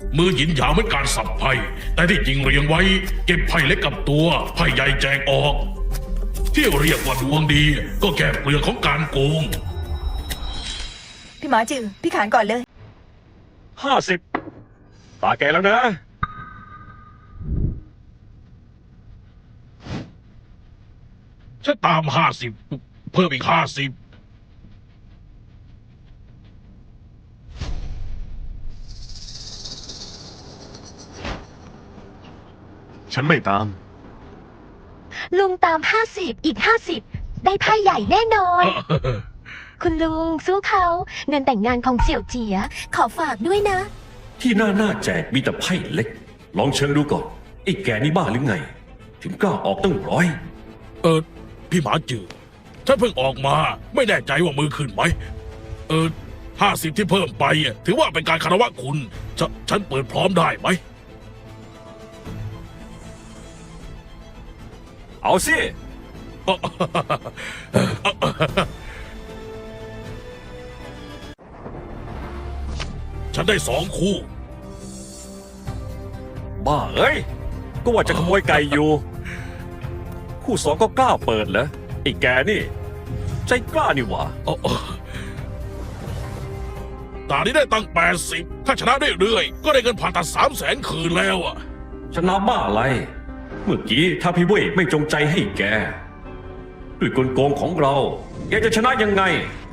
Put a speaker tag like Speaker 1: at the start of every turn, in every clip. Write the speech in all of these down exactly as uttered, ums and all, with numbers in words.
Speaker 1: มือหยินหยางเหมือนการสับไพ่แต่ที่จริงเรียงไว้เก็บไพ่เล็กกับตัวไพ่ใหญ่แจกออกที่เรียกว่าดวงดีก็แก้เปลือกของการโกง
Speaker 2: พี่หมาจือพี่ขานก่อนเลย
Speaker 3: ห้าสิบตาแกแล้วนะ
Speaker 1: ฉันตามห้าสิบเพิ่มอีกห้าสิบ
Speaker 4: ฉันไม่ตาม
Speaker 5: ลุงตามห้าสิบอีกห้าสิบได้ไพ่ใหญ่แน่นอน คุณลุงสู้เขาเงินแต่งงานของเสี่ยวเจียขอฝากด้วยนะ
Speaker 3: ที่หน้าหน้าแจกมีแต่ไพ่เล็ก ลองเชิงดูก่อนไอ้แกนี่บ้าหรือไง ถึงกล้าออกตั้งร้อย
Speaker 1: เออพี่หมาจือฉันเพิ่งออกมาไม่แน่ใจว่ามือขึ้นไหมเออห้าสิบที่เพิ่มไปถือว่าเป็นการคารวะคุณฉฉันเปิดพร้อมได้ไหม
Speaker 3: เอาสิ
Speaker 1: ฉันได้สองคู่
Speaker 3: บ้าเอ้ยก็ว่าจะขโมยไก่อยู่ คู่สองก็กล้าเปิดเหรอไอ้แกนี่ ใจกล้านี่หว่า
Speaker 1: ตานี้ได้ตั้งแปดสิบถ้าชนะเรื่อยๆก็ได้เงินผ่าตัดสามแสนคืนแล้วอ่ะ
Speaker 3: ชนะบ้าอะไร เมื่อกี้ถ้าพี่เว่ยไม่จงใจให้แก ด้วยกลโกงของเรา แกจะชนะยังไง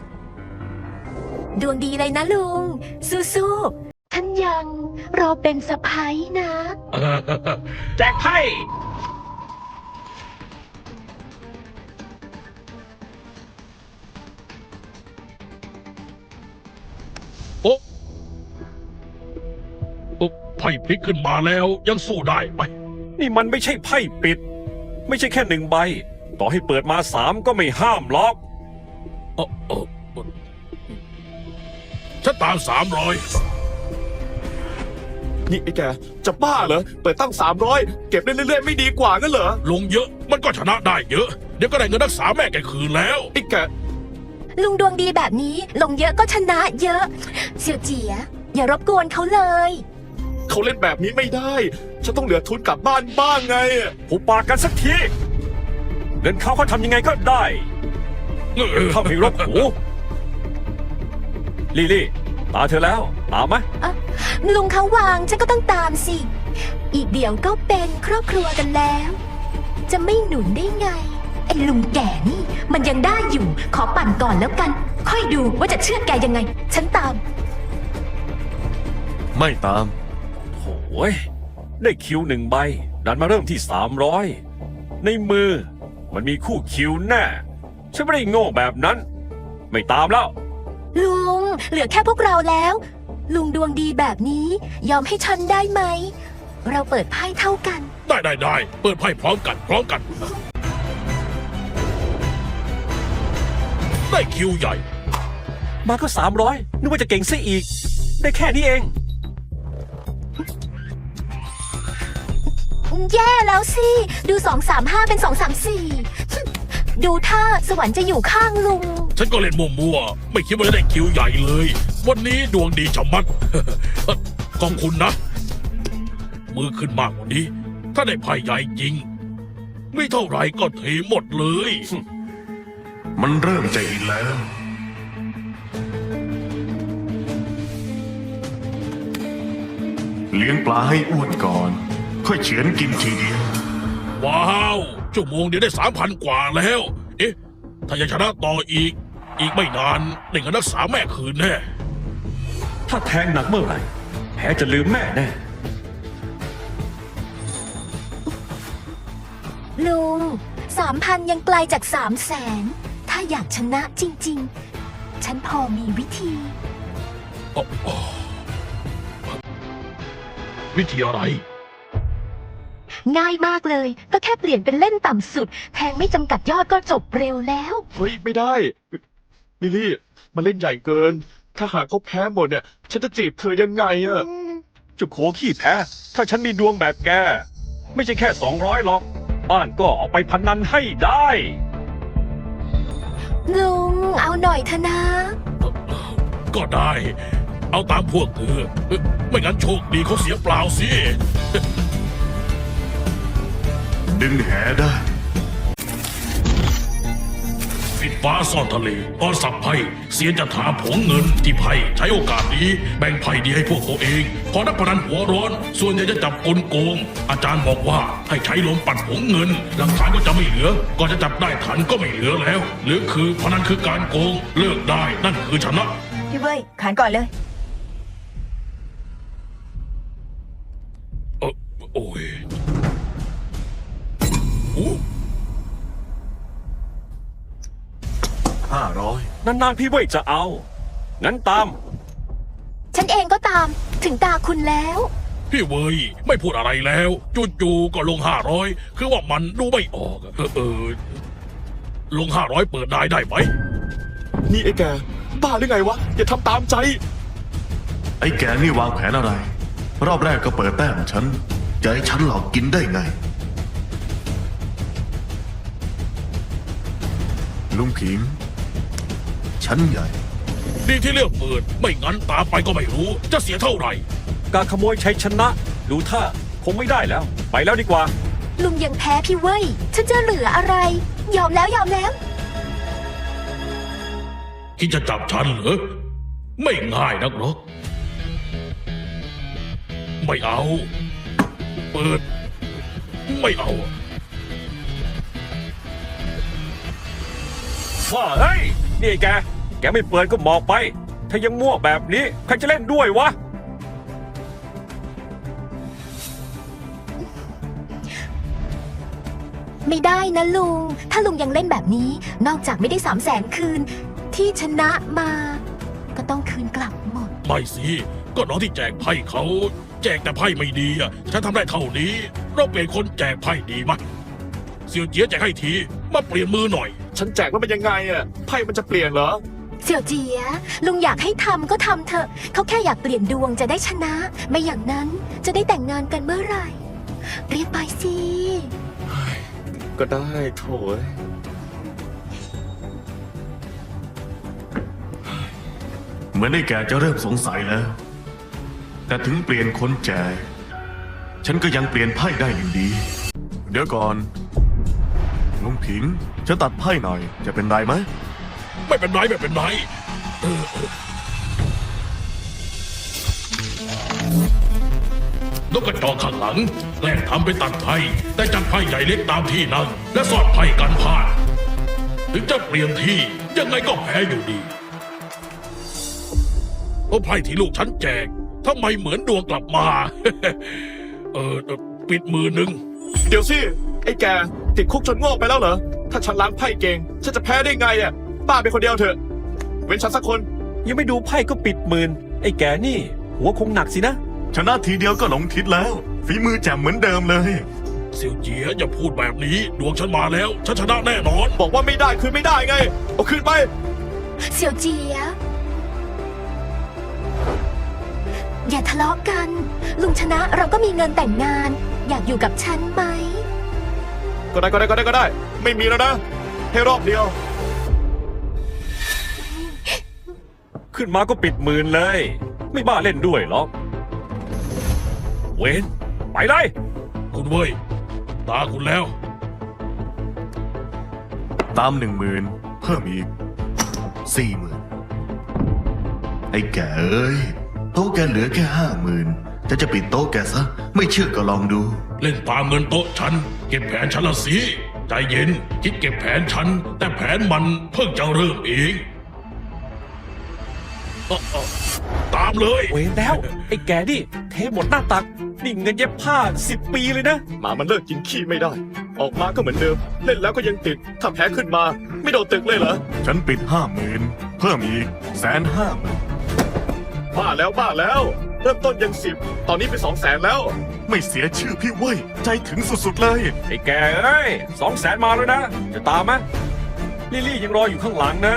Speaker 5: ดวงดีเลยนะลุง สู้ๆท่านยังรอเป็นสะพ้ายนะ
Speaker 1: แจกไพ่โอ้โอ้ไพ่พลิกขึ้นมาแล้วยังสู้ได้ไหม
Speaker 3: นี่มันไม่ใช่ไพ่ปิด ไม่ใช่แค่หนึ่งใบ ต่อให้เปิดมาสามก็ไม่ห้ามหรอก
Speaker 1: เออเออเออฉันตามสามร้อย
Speaker 4: นี่ไอ้แกจะบ้าเหรอ เปิดตั้งสามร้อยเก็บได้เรื่อยๆไม่ดีกว่างั้นเหรอ
Speaker 1: ลงเยอะมันก็ชนะได้เยอะ เดี๋ยวก็ได้เงินรักษาแม่แกคืนแล้ว
Speaker 4: ไอ้แก
Speaker 5: ลุงดวงดีแบบนี้ลงเยอะก็ชนะเยอะ เสี่ยวเจีย อย่ารบกวนเขาเลย
Speaker 4: เขาเล่นแบบนี้ไม่ได้ ฉันต้องเหลือทุนกลับบ้านบ้างไง
Speaker 3: ผูปากกันสักที เงินเขาเขาทำยังไงก็ได้ถ้าไม่รบหูลี่ลี่ตาเธอแล้ว ตามไหม
Speaker 5: ลุงเขาวางฉันก็ต้องตามสิ อีกเดี๋ยวก็เป็นครอบครัวกันแล้ว จะไม่หนุนได้ไง ไอ้ลุงแก่นี่มันยังได้อยู่ ขอปั่นก่อนแล้วกัน ค่อยดูว่าจะเชื่อแกยังไง ฉันตาม
Speaker 4: ไม่ตาม
Speaker 3: โอ้ยได้คิวหนึ่งใบ ดันมาเริ่มที่สามร้อยในมือ มันมีคู่คิวแน่ ฉันไม่ได้โง่แบบนั้น ไม่ตามแล้ว
Speaker 5: ลุงเหลือแค่พวกเราแล้ว ลุงดวงดีแบบนี้ ยอมให้ฉันได้ไหม เราเปิดไพ่เท่ากัน
Speaker 1: ได้ได้ได้เปิดไพ่พร้อมกันพร้อมกัน ได้คิวใหญ่
Speaker 3: มาก็สามร้อยนึกว่าจะเก่งซะอีก ได้แค่นี้เอง
Speaker 5: แย่แล้วสิ ดูสองสามห้าเป็นสองสามสี่ดูท่าสวรรค์จะอยู่ข้างลุง
Speaker 1: ฉันก็เล่นมั่วๆไม่คิดว่าจะได้คิวใหญ่เลย วันนี้ดวงดีชะมัด ขอบคุณนะ มือขึ้นมากกว่านี้ ถ้าได้ไพ่ใหญ่จริง ไม่เท่าไหร่ก็เทหมดเลย
Speaker 4: มันเริ่มจะอินแล้ว เลี้ยงปลาให้อ้วนก่อน ค่อยเฉือนกินทีเดียว
Speaker 1: ว้าวชั่วโมงเดียวได้สามพันกว่าแล้ว เอ๊ะ ถ้ายังชนะต่ออีก อีกไม่นานได้เงินรักษาแม่คืนแน่
Speaker 3: ถ้าแทงหนักเมื่อไหร่ แพ้จะลืมแม่แน่
Speaker 5: ลุงสามพันยังไกลจากสามแสน ถ้าอยากชนะจริงๆ ฉันพอมีวิธี
Speaker 1: วิธีอะไร
Speaker 5: ง่ายมากเลย ก็แค่เปลี่ยนเป็นเล่นต่ำสุด แทงไม่จำกัดยอดก็จบเร็วแล้ว
Speaker 4: เฮ้ย ไม่ได้ ลิลี่ มันเล่นใหญ่เกิน ถ้าหากเขาแพ้หมดเนี่ย ฉันจะจีบเธอยังไงอะ
Speaker 3: จุกโขขี้แพ้ ถ้าฉันมีดวงแบบแก ไม่ใช่แค่สองร้อยหรอก บ้านก็เอาไปพนันให้ได้
Speaker 5: ลุงเอาหน่อยเถอะนะ
Speaker 1: ก็ได้เอาตามพวกเธอเอ่อไม่งั้นโชคดีเขาเสียเปล่าสิ
Speaker 6: ดึงแหได้
Speaker 1: ปิดฟ้าซ่อนทะเลตอนสับไพ่เสียจะถามผงเงินที่ไพ่ใช้โอกาสนี้แบ่งไพ่ดีให้พวกตัวเอง พอนักพนันหัวร้อน ส่วนใหญ่จะจับกลโกง อาจารย์บอกว่าให้ใช้ลมปัดผงเงิน หลักฐานก็จะไม่เหลือ ก่อนจะจับได้ทันก็ไม่เหลือแล้ว หรือคือพนันคือการโกง เลิกได้นั่นคือชนะ
Speaker 2: พี่เว้ยขานก่อนเลย
Speaker 1: เออโอ้ยโอ้
Speaker 6: ห้าร้อย
Speaker 3: นานๆพี่เว่ยจะเอา งั้นตาม
Speaker 5: ฉันเองก็ตามถึงตาคุณแล้ว
Speaker 1: พี่เวยไม่พูดอะไรแล้วจู่ๆก็ลงห้าร้อยคือว่ามันดูไม่ออกอะเออเออลงห้าร้อยเปิดได้ได้ไหม
Speaker 4: นี่ไอ้แก บ้าหรือไงวะ อย่าทำตามใจ
Speaker 6: ไอ้แกนี่วางแผนอะไร รอบแรกก็เปิดแต้มฉัน จะให้ฉันหลอกกินได้ไง ลุงผิง ฉันใหญ่
Speaker 1: ดีที่เลือกเปิด ไม่งั้นตามไปก็ไม่รู้ จะเสียเท่าไหร่
Speaker 3: การขโมยชัยชนะ ดูท่าคงไม่ได้แล้ว ไปแล้วดีกว่า
Speaker 5: ลุงยังแพ้พี่เว้ย ฉันจะเหลืออะไร ยอมแล้วยอมแล้ว
Speaker 1: คิดจะจับฉันเหรอ ไม่ง่ายนักหรอก ไม่เอา เปิด ไม่เอา
Speaker 3: ว่าเฮ้ย นี่ไอ้แก แกไม่เปิดก็หมอกไป ถ้ายังมั่วแบบนี้ใครจะเล่นด้วยวะ
Speaker 5: ไม่ได้นะลุง ถ้าลุงยังเล่นแบบนี้ นอกจากไม่ได้สามแสนคืน ที่ชนะมา ก็ต้องคืนกลับหมด
Speaker 1: ไม่สิ ก็น้องที่แจกไพ่เขา แจกแต่ไพ่ไม่ดีอ่ะ ฉันทำได้เท่านี้ เราเปลี่ยนคนแจกไพ่ดีมั้ยเสี่ยวเจียแจกให้ที มาเปลี่ยนมือหน่อย
Speaker 4: ฉันแจกแล้วมันยังไงอะไพ่มันจะเปลี่ยนเหรอ
Speaker 5: เสี่ยวเจีย ลุงอยากให้ทำก็ทำเถอะ เขาแค่อยากเปลี่ยนดวงจะได้ชนะ ไม่อย่างนั้นจะได้แต่งงานกันเมื่อไหร่ เรียกไปสิ
Speaker 4: ก็ได้โถย
Speaker 6: เหมือนไอ้แกจะเริ่มสงสัยแล้ว แต่ถึงเปลี่ยนคนแจก ฉันก็ยังเปลี่ยนไพ่ได้อยู่ดี เดี๋ยวก่อน ลุงผิง ฉันตัดไพ่หน่อย จะเป็นไรไหม
Speaker 1: ไม่เป็นไรไม่เป็นไรเออเออ นกกระจอกข้างหลังแกล้งทำเป็นตัดไพ่แต่จัดไพ่ใหญ่เล็กตามที่นั่งและสอดไพ่กันพลาดถึงจะเปลี่ยนที่ยังไงก็แพ้อยู่ดีโอ้ไพ่ที่ลูกฉันแจกทำไมเหมือนดวงกลับมา เออเออปิดมือหนึ่ง
Speaker 4: เดี๋ยวสิ ไอ้แก ติดคุกจนโง่ไปแล้วเหรอ ถ้าฉันล้างไพ่เก่ง ฉันจะแพ้ได้ไงอะป้าเป็นคนเดียวเถอะ เว้นฉันสักคน
Speaker 3: ยังไม่ดูไพ่ก็ปิดหมื่นไอ้แกนี่ หัวคงหนักสินะ
Speaker 6: ชนะทีเดียวก็หลงทิศแล้ว ฝีมือแจ่มเหมือนเดิมเลย
Speaker 1: เสี่ยวเจียอย่าพูดแบบนี้ ดวงฉันมาแล้ว ฉันชนะแน่นอน
Speaker 4: บอกว่าไม่ได้คืนไม่ได้ไง เอาคืนไป
Speaker 5: เสี่ยวเจีย อย่าทะเลาะกัน ลุงชนะเราก็มีเงินแต่งงาน อยากอยู่กับฉันไหม
Speaker 4: ก็ได้ก็ได้ก็ได้ก็ได้ ไม่มีแล้วนะ ให้รอบเดียว
Speaker 3: ขึ้นมาก็ปิดหมื่นเลย ไม่บ้าเล่นด้วยหรอก เวนไปเลย
Speaker 1: คุณเว้ย ตาคุณแล้ว
Speaker 6: ตามหนึ่งหมื่นเพิ่มอีกสี่หมื่นไอ้แกเอ้ย โต๊ะแกเหลือแค่ห้าหมื่นจะจะปิดโต๊ะแกซะ ไม่เชื่อก็ลองดู
Speaker 1: เล่นตามเงินโต๊ะฉัน เก็บแผนฉันละสิ ใจเย็น คิดเก็บแผนฉัน แต่แผนมันเพิ่งจะเริ่มเองเอ้อเอ้อตามเลย
Speaker 3: เวนแล้ว ไอ้แกนี่ เทหมดหน้าตัก นี่เงินเย็บผ้าสิบปีเลยนะ
Speaker 4: หมามันเลิกกินขี้ไม่ได้ ออกมาก็เหมือนเดิม เล่นแล้วก็ยังติด ถ้าแพ้ขึ้นมา ไม่โดนตึกเลยเหรอ
Speaker 6: ฉันปิดห้าหมื่นเพิ่มอีกแสนห้าหมื่น
Speaker 4: บ้าแล้วบ้าแล้ว เริ่มต้นยังสิบ ตอนนี้เป็นสองแสนแล้ว
Speaker 6: ไม่เสียชื่อพี่เว้ย ใจถึงสุดๆเลย
Speaker 3: ไอ้แกเอ้ยสองแสนมาแล้วนะ จะตามไหมลิลลี่ยังรออยู่ข้างหลังนะ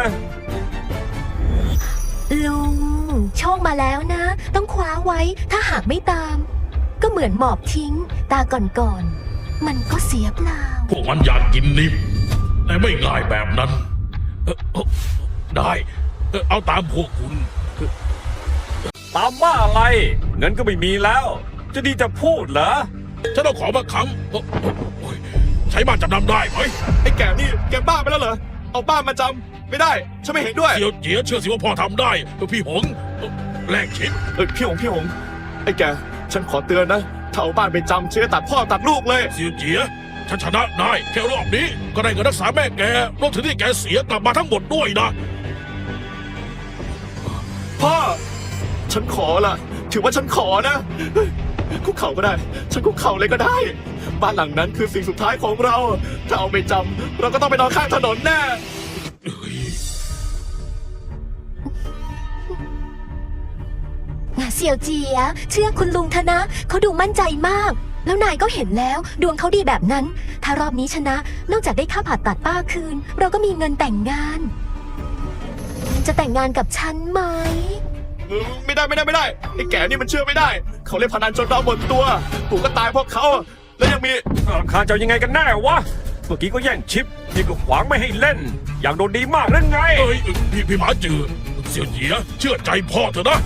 Speaker 5: ลุง โชคมาแล้วนะ ต้องคว้าไว้ ถ้าหากไม่ตาม ก็เหมือนหมอบทิ้ง ตาก่อนๆ มันก็เสียเปล่า
Speaker 1: พวกมันอยากกินนิ่มแต่ไม่ง่ายแบบนั้นเอ่อเอ่อได้เอ่อเอาตามพวกคุณ
Speaker 3: ตามบ้าอะไร เงินก็ไม่มีแล้ว จะดีจะพูดเหรอ
Speaker 1: ฉันเอาของมาค้ำโอ้โอ้ยใช้บ้านจำนำได้ไหม
Speaker 4: ไอ้แก่นี่แกบ้าไปแล้วเหรอ เอาบ้านมาจำไม่ได้ ฉันไม่เห็นด้วย
Speaker 1: เจียวเจียเชื่อสิว่าพ่อทำได้ พี่หงแลกชิป
Speaker 4: เออพี่หงพี่หงไอ้แกฉันขอเตือนนะถ้าเอาบ้านไปจำเชื่อตัดพ่อตัดลูกเลย
Speaker 1: เจียวเจียฉันชนะได้แค่รอบนี้ ก็ได้เงินรักษาแม่แกรวมถึงที่แกเสียกลับมาทั้งหมดด้วยนะ
Speaker 4: พ่อ ฉันขอละถือว่าฉันขอนะเฮ้ยคุกเข่าก็ได้ ฉันคุกเข่าเลยก็ได้ บ้านหลังนั้นคือสิ่งสุดท้ายของเรา ถ้าเอาไปจำเราก็ต้องไปนอนข้างถนนแน่
Speaker 5: เสี่ยวเจีย เชื่อคุณลุงเถอะนะ เขาดูมั่นใจมาก แล้วนายก็เห็นแล้ว ดวงเขาดีแบบนั้น ถ้ารอบนี้ชนะ นอกจากได้ค่าผ่าตัดป้าคืน เราก็มีเงินแต่งงาน จะแต่งงานกับฉันไหม
Speaker 4: ไม่ได้ไม่ได้ไม่ได้ไอ้แก่นี่มันเชื่อไม่ได้ เขาเล่นพนันจนเราหมดตัวปู่ก็ตายเพราะเขา แล้วยังมี
Speaker 3: รำคาญเจ้ายังไงกันแน่วะ เมื่อกี้ก็แย่งชิปนี่ก็ขวางไม่ให้เล่น อยากโดนดีมากนั่นไง
Speaker 1: เอ้ยพี่พี่หมาจือเสี่ยวเจียเชื่อใจพ่อเถอะนะ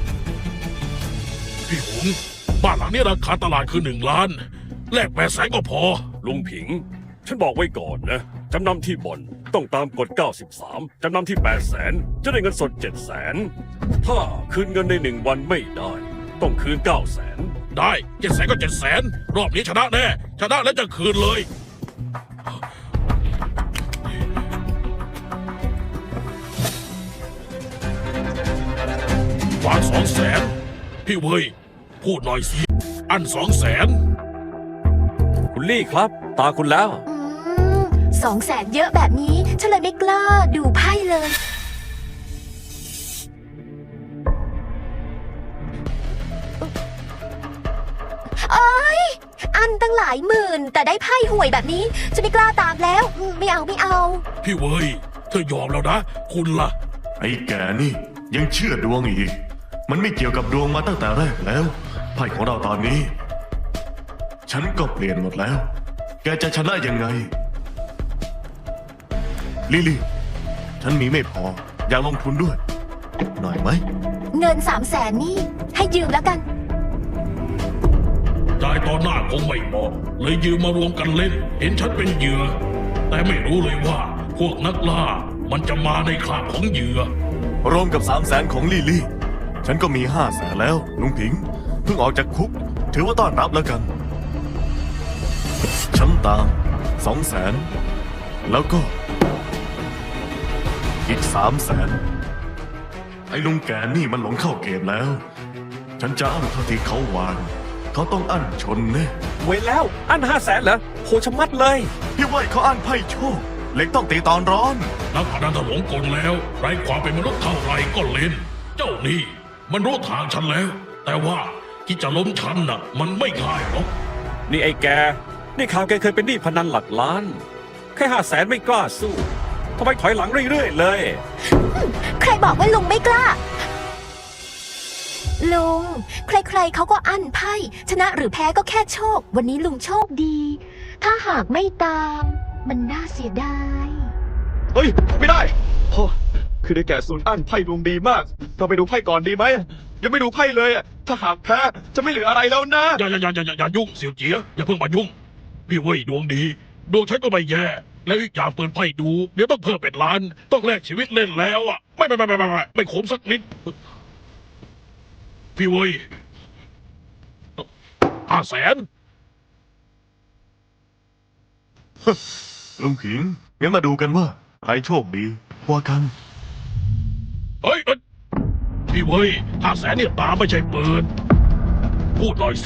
Speaker 1: พี่หงบ้านหลังนี้ราคาตลาดคือหนึ่งล้าน แลกแปดแสนก็พอ
Speaker 3: ลุงผิง ฉันบอกไว้ก่อนนะ จำนำที่บ่อนต้องตามกฎเก้าสิบสาม จำนำที่แปดแสนจะได้เงินสดเจ็ดแสนถ้าคืนเงินในหนึ่งวันไม่ได้ ต้องคืนเก้าแสน
Speaker 1: ได้เจ็ดแสนก็เจ็ดแสนรอบนี้ชนะแน่ ชนะแล้วจะคืนเลย ฝากสองแสนพี่เว้ย พูดหน่อยสิ อันสองแสน
Speaker 3: คุณลี่ครับ ตาคุณแล้ว
Speaker 5: อืมสองแสนเยอะแบบนี้ ฉันเลยไม่กล้าดูไพ่เลย เอ้ย อันตั้งหลายหมื่น แต่ได้ไพ่ห่วยแบบนี้ ฉันไม่กล้าตามแล้วอืมไม่เอาไม่เอา
Speaker 1: พี่เว้ย เธอยอมแล้วนะ คุณล่ะ
Speaker 6: ไอ้แกนี่ยังเชื่อดวงอีก มันไม่เกี่ยวกับดวงมาตั้งแต่แรกแล้วไพ่ของเราตอนนี้ ฉันก็เปลี่ยนหมดแล้ว แกจะชนะยังไง ลิลี่ ฉันมีไม่พอ อยากลงทุนด้วย หน่อยไหม
Speaker 5: เงินสามแสนนี่ให้ยืมแล้วกัน
Speaker 1: จ่ายตอนหน้าคงไม่เหมาะเลยยืมมารวมกันเล่น เห็นฉันเป็นเหยื่อ แต่ไม่รู้เลยว่า พวกนักล่า มันจะมาในคราบของเหยื่อ
Speaker 6: รวมกับสามแสนของลิลี่ ฉันก็มีห้าแสนแล้ว ลุงผิง เพิ่งออกจากคุก ถือว่าต้อนรับแล้วกัน ฉันตามสองแสนแล้วก็ อีกสามแสนไอ้ลุงแกนี่มันหลงเข้าเกมแล้ว ฉันจะอั้นเท่าที่เขาวางเขาต้องอั้นชนแน่
Speaker 3: เว้นแล้ว อันห้าแสนเหรอโหชะมัดเลย
Speaker 6: พี่ว่าเขาอั้นไพ่โชคเหล็กต้องตีตอนร้อน
Speaker 1: นักพนันถลงกลแล้ว ไร้ความเป็นมนุษย์เท่าไรก็เล่น เจ้านี่มันรู้ทางฉันแล้ว แต่ว่าที่จะล้มฉันน่ะ มันไม่ง่ายหรอก
Speaker 3: นี่ไอ้แก นี่ข่าวแกเคยเป็นหนี้พนันหลักล้าน แค่ห้าแสนไม่กล้าสู้ทำไมถอยหลังเรื่อยๆเลย
Speaker 5: ใครบอกว่าลุงไม่กล้า ลุง ใครๆเขาก็อั้นไพ่ ชนะหรือแพ้ก็แค่โชค วันนี้ลุงโชคดี ถ้าหากไม่ตาม มันน่าเสียดาย
Speaker 4: เฮ้ย ไม่ได้พ่อคือได้แก่ศูนย์อั้นไพ่ดวงดีมาก เราไปดูไพ่ก่อนดีไหมยังไม่ดูไพ่เลยอะถ้าหากแพ้จะไม่เหลืออะไรแล้วนะ
Speaker 1: อย่าอย่าอย่าอย่าอย่ายุ่งเสี่ยวเจียอย่าเพิ่งมายุ่ง พี่เว้ยดวงดี ดวงฉันก็ไม่แย่ แล้วอีกอย่างเปิดไพ่ดู เดี๋ยวต้องเพิ่มเป็นล้าน ต้องแลกชีวิตเล่นแล้วอ่ะ ไม่ไม่ไม่ไม่ไม่ไม่ไม่ขมสักนิด พี่เว้ยห้าแสน
Speaker 6: ลุงผิง งั้นมาดูกันว่าใครโชคดีกว่ากัน
Speaker 1: เฮ้ยเอ้ยพี่เว้ยห้าแสนเนี่ยตาไม่ใช่เปิด พูดหน่อยสิ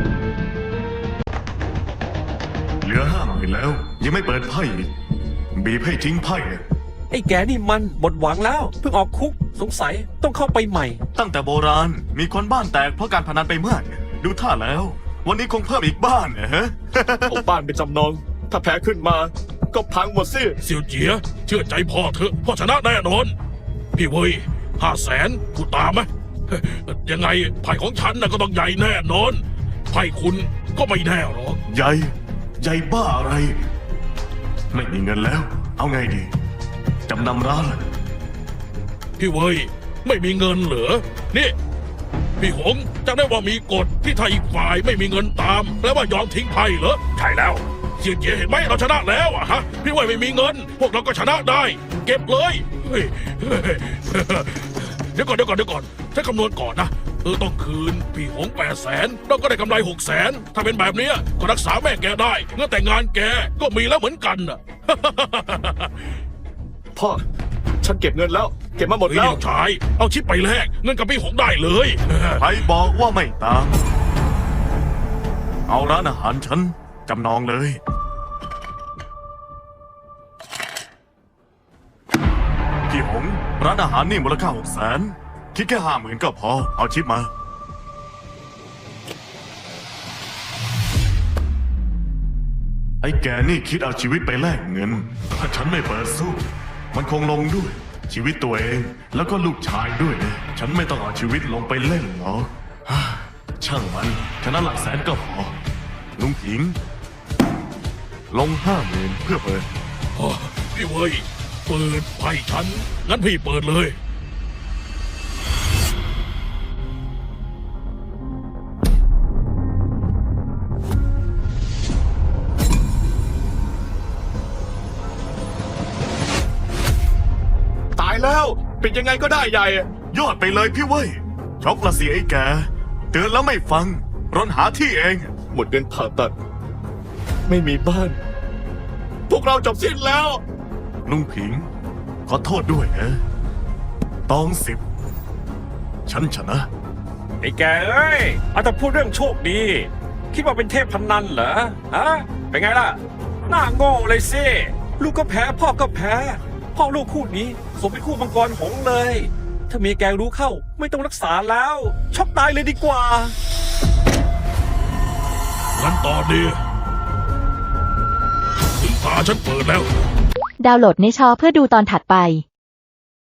Speaker 6: เหลือห้าหมื่นแล้ว ยังไม่เปิดไพ่อีกบีบให้ทิ้งไพ่อะ
Speaker 3: ไอ้แกนี่มันหมดหวังแล้ว เพิ่งออกคุกสงสัยต้องเข้าไปใหม่
Speaker 6: ตั้งแต่โบราณมีคนบ้านแตกเพราะการพนันไปมาก ดูท่าแล้ว วันนี้คงเพิ่มอีกบ้านนะฮะ
Speaker 4: เอาบ้านไปจำนอง ถ้าแพ้ขึ้นมา ก็พังหมดสิ
Speaker 1: เสี่ยวเจียเชื่อใจพ่อเถอะพ่อชนะแน่นอน พี่เว้ยห้าแสนกูตามไหมเฮ้ยยังไงไพ่ของฉันน่ะก็ต้องใหญ่แน่นอนไพ่คุณก็ไม่แน่หรอก
Speaker 6: ใหญ่ใหญ่บ้าอะไร ไม่มีเงินแล้ว เอาไงดี จำนำร้านเหรอ
Speaker 1: พี่เว้ยไม่มีเงินเหรอนี่พี่หงจำได้ว่ามีกฎที่ถ้าอีกฝ่ายไม่มีเงินตามแปลว่ายอมทิ้งไพ่เหรอ
Speaker 3: ใช่แล้ว
Speaker 1: เสียเจเห็นไหมเราชนะแล้วอะฮะพี่เว่ยไม่มีเงิน พวกเราก็ชนะได้ เก็บเลยเฮ้ยเฮ้ยเดี๋ยวก่อนเดี๋ยวก่อนเดี๋ยวก่อนฉันคำนวณก่อนนะเออต้องคืนพี่หงแปดแสนเราก็ได้กำไรหกแสนถ้าเป็นแบบเนี้ยก็รักษาแม่แกได้เงินแต่งงานแกก็มีแล้วเหมือนกันน่ะ
Speaker 4: พ่อ ฉันเก็บเงินแล้ว เก็บมาหมด
Speaker 1: เฮ้ย
Speaker 4: แล้ว
Speaker 1: ลูกชายเอาชิปไปแลกเงินกับพี่หงได้เลย
Speaker 6: ใครบอกว่าไม่ตาม เอาร้านอาหารฉันจำนองเลย พี่หงร้านอาหารนี่มูลค่าหกแสนคิดแค่ห้าหมื่นก็พอ เอาชิปมา ไอ้แกนี่คิดเอาชีวิตไปแลกเงิน ถ้าฉันไม่เปิดสู้ มันคงลงด้วย ชีวิตตัวเองแล้วก็ลูกชายด้วยนะฉันไม่ต้องเอาชีวิตลงไปเล่นหรอกฮ่าช่างมันชนะหลักแสนก็พอ ลุงผิง ลงห้าหมื่นเพื่อเปิด
Speaker 1: อ๋อพี่เว้ยเปิดไพ่ฉันงั้นพี่เปิดเลย
Speaker 4: ตายแล้ว ปิดยังไงก็ได้ใหญ่
Speaker 6: ยอดไปเลยพี่เว้ยช็อกละสิไอ้แกเตือนแล้วไม่ฟังรนหาที่เอง
Speaker 4: หมดเงินผ่าตัด ไม่มีบ้าน พวกเราจบสิ้นแล้ว
Speaker 6: ลุงผิง ขอโทษด้วยนะตองสิบ ฉันชนะ
Speaker 3: ไอ้แกเอ้ยเอาแต่พูดเรื่องโชคดี คิดว่าเป็นเทพพนันเหรอ ฮะ เป็นไงล่ะ หน้าโง่เลยสิ ลูกก็แพ้ พ่อก็แพ้ พ่อลูกคู่นี้สมเป็นคู่มังกรหงส์เลย ถ้าเมียแกรู้เข้าไม่ต้องรักษาแล้ว ช็อกตายเลยดีกว่า
Speaker 1: งั้นตอนนี้ถึงตาฉันเปิดแล้ว
Speaker 7: ดาวน์โหลดในชอเพื่อดูตอนถัดไป